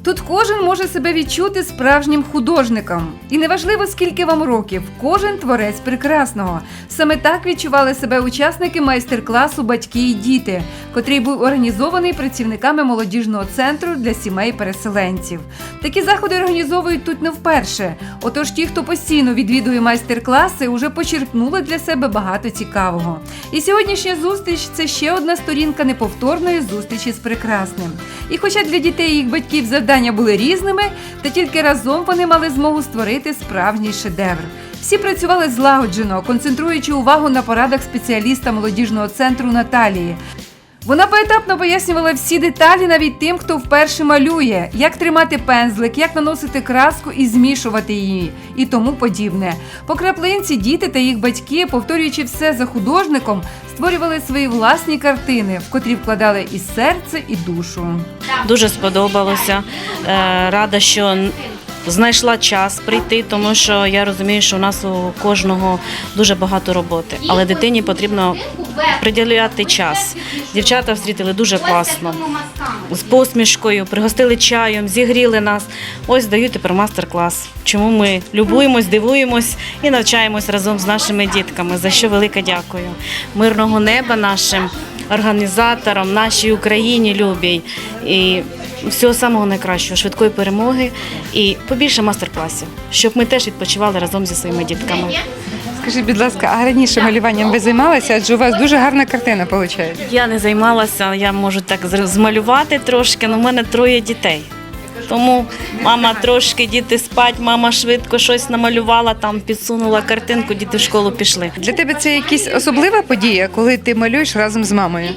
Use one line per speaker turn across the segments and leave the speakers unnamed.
Тут кожен може себе відчути справжнім художником. І неважливо, скільки вам років, кожен творець прекрасного. Саме так відчували себе учасники майстер-класу «Батьки і діти», котрий був організований працівниками молодіжного центру для сімей переселенців. Такі заходи організовують тут не вперше. Отож ті, хто постійно відвідує майстер-класи, уже почерпнули для себе багато цікавого. І сьогоднішня зустріч – це ще одна сторінка неповторної зустрічі з прекрасним. І хоча для дітей і їх батьків завдання були різними, та тільки разом вони мали змогу створити справжній шедевр. Всі працювали злагоджено, концентруючи увагу на порадах спеціаліста молодіжного центру Наталії. Вона поетапно пояснювала всі деталі навіть тим, хто вперше малює, як тримати пензлик, як наносити краску і змішувати її, і тому подібне. По краплинці діти та їх батьки, повторюючи все за художником, створювали свої власні картини, в котрі вкладали і серце, і душу.
Дуже сподобалося. Рада, що знайшла час прийти, тому що я розумію, що у нас у кожного дуже багато роботи. Але дитині потрібно приділяти час. Дівчата встрітили дуже класно, з посмішкою, пригостили чаєм, зігріли нас. Ось дають тепер мастер-клас. Чому ми любуємось, дивуємось і навчаємось разом з нашими дітками, за що велике дякую. Мирного неба нашим організаторам, нашій Україні любій. І всього самого найкращого, швидкої перемоги і побільше мастер-класів, щоб ми теж відпочивали разом зі своїми дітками.
Скажіть, будь ласка, а раніше малюванням ви займалися? Адже у вас дуже гарна картина виходить.
Я не займалася, я можу так змалювати трошки, але в мене 3 дітей. Тому мама трошки, діти спать, мама швидко щось намалювала, там підсунула картинку, діти в школу пішли.
Для тебе це якась особлива подія, коли ти малюєш разом з мамою?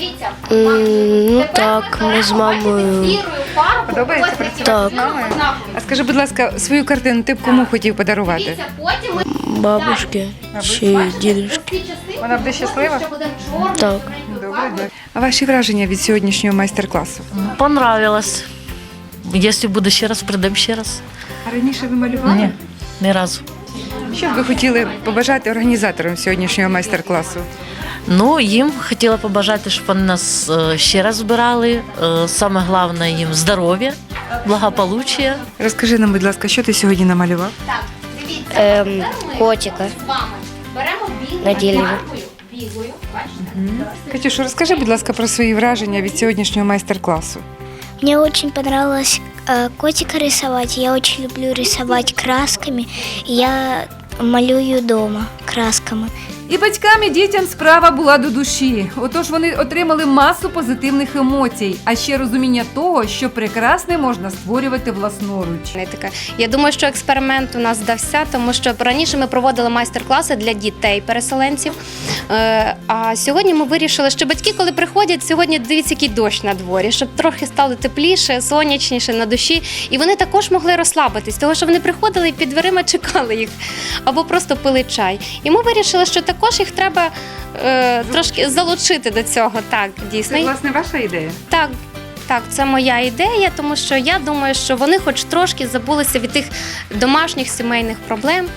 Ну так, ми з мамою.
Подобається працювати
Так.
з мамою? А скажи, будь ласка, свою картину ти б кому хотів подарувати?
Бабушки чи дідушки.
Вона буде щаслива?
Так.
Добре, дякую. А ваші враження від сьогоднішнього майстер-класу?
Понравилось. Якщо буде ще раз, прийдемо ще раз.
А раніше ви малювали?
Ні, ні разу.
Що б ви хотіли побажати організаторам сьогоднішнього майстер-класу?
Ну, їм хотіла побажати, щоб вони нас ще раз збирали. Саме головне їм здоров'я, благополуччя.
Розкажи нам, будь ласка, що ти сьогодні намалював?
Котика на дереві.
Катюш, розкажи, будь ласка, про свої враження від сьогоднішнього майстер-класу.
Мне очень понравилось котика рисовать. Я очень люблю рисовать красками. Я малюю дома красками.
І батькам, і дітям справа була до душі. Отож вони отримали масу позитивних емоцій, а ще розуміння того, що прекрасне можна створювати власноруч.
Я думаю, що експеримент у нас вдався, тому що раніше ми проводили майстер-класи для дітей-переселенців, а сьогодні ми вирішили, що батьки, коли приходять, сьогодні дивіться, який дощ на дворі, щоб трохи стало тепліше, сонячніше на душі, і вони також могли розслабитись, тому що вони приходили і під дверима чекали їх, або просто пили чай. І ми вирішили, що також їх треба трошки залучити до цього. Так, дійсно.
Це, власне, ваша ідея?
Так, це моя ідея, тому що я думаю, що вони хоч трошки забулися від тих домашніх сімейних проблем,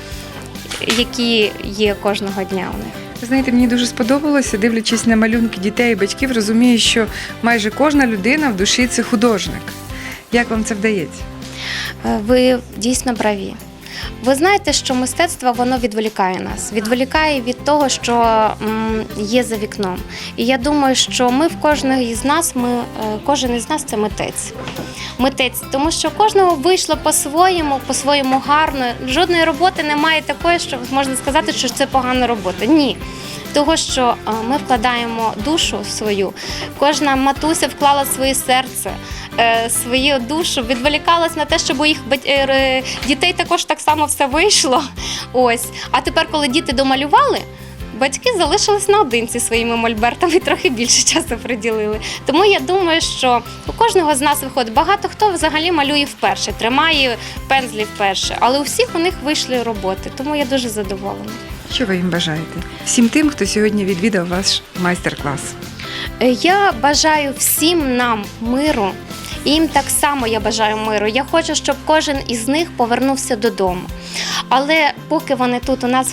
які є кожного дня у них.
Ви знаєте, мені дуже сподобалося, дивлячись на малюнки дітей і батьків, розумію, що майже кожна людина в душі – це художник. Як вам це вдається?
Ви дійсно праві. Ви знаєте, що мистецтво, воно відволікає нас. Відволікає від того, що є за вікном. І я думаю, що кожен із нас – це митець. Митець, тому що кожного вийшло по-своєму гарно. Жодної роботи немає такої, що можна сказати, що це погана робота. Ні. Того, що ми вкладаємо душу свою, кожна матуся вклала своє серце, свою душу, відволікалась на те, щоб у їх дітей також так само все вийшло. Ось. А тепер, коли діти домалювали, батьки залишились наодинці своїми мольбертами і трохи більше часу приділили. Тому я думаю, що у кожного з нас виходить. Багато хто взагалі малює вперше, тримає пензлі вперше, але у всіх у них вийшли роботи. Тому я дуже задоволена.
Що ви їм бажаєте? Всім тим, хто сьогодні відвідав ваш майстер-клас.
Я бажаю всім нам миру, і їм так само я бажаю миру. Я хочу, щоб кожен із них повернувся додому. Але поки вони тут у нас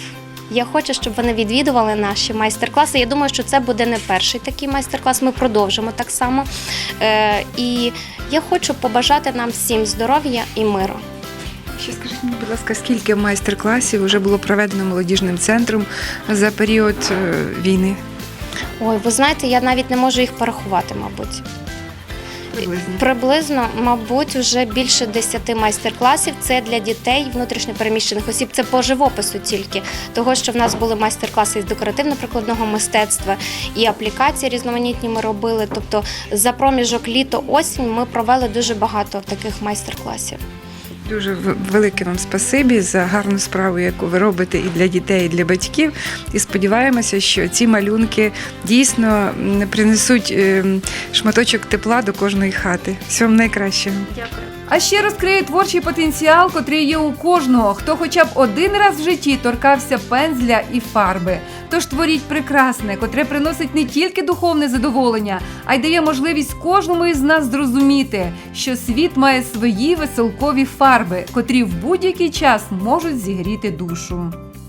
Я хочу, щоб вони відвідували наші майстер-класи. Я думаю, що це буде не перший такий майстер-клас. Ми продовжимо так само. І я хочу побажати нам всім здоров'я і миру.
Ще скажіть мені, будь ласка, скільки майстер-класів вже було проведено молодіжним центром за період війни?
Ой, ви знаєте, я навіть не можу їх порахувати, мабуть. Приблизно, мабуть, вже більше 10 майстер-класів. Це для дітей внутрішньопереміщених осіб. Це по живопису тільки. Того, що в нас були майстер-класи із декоративно-прикладного мистецтва і аплікації різноманітні ми робили. Тобто за проміжок літо-осінь ми провели дуже багато таких майстер-класів.
Дуже велике вам спасибі за гарну справу, яку ви робите і для дітей, і для батьків. І сподіваємося, що ці малюнки дійсно принесуть шматочок тепла до кожної хати. Всього вам найкращого.
Дякую.
А ще розкриє творчий потенціал, котрий є у кожного, хто хоча б один раз в житті торкався пензля і фарби. Тож творіть прекрасне, котре приносить не тільки духовне задоволення, а й дає можливість кожному із нас зрозуміти, що світ має свої веселкові фарби, котрі в будь-який час можуть зігріти душу.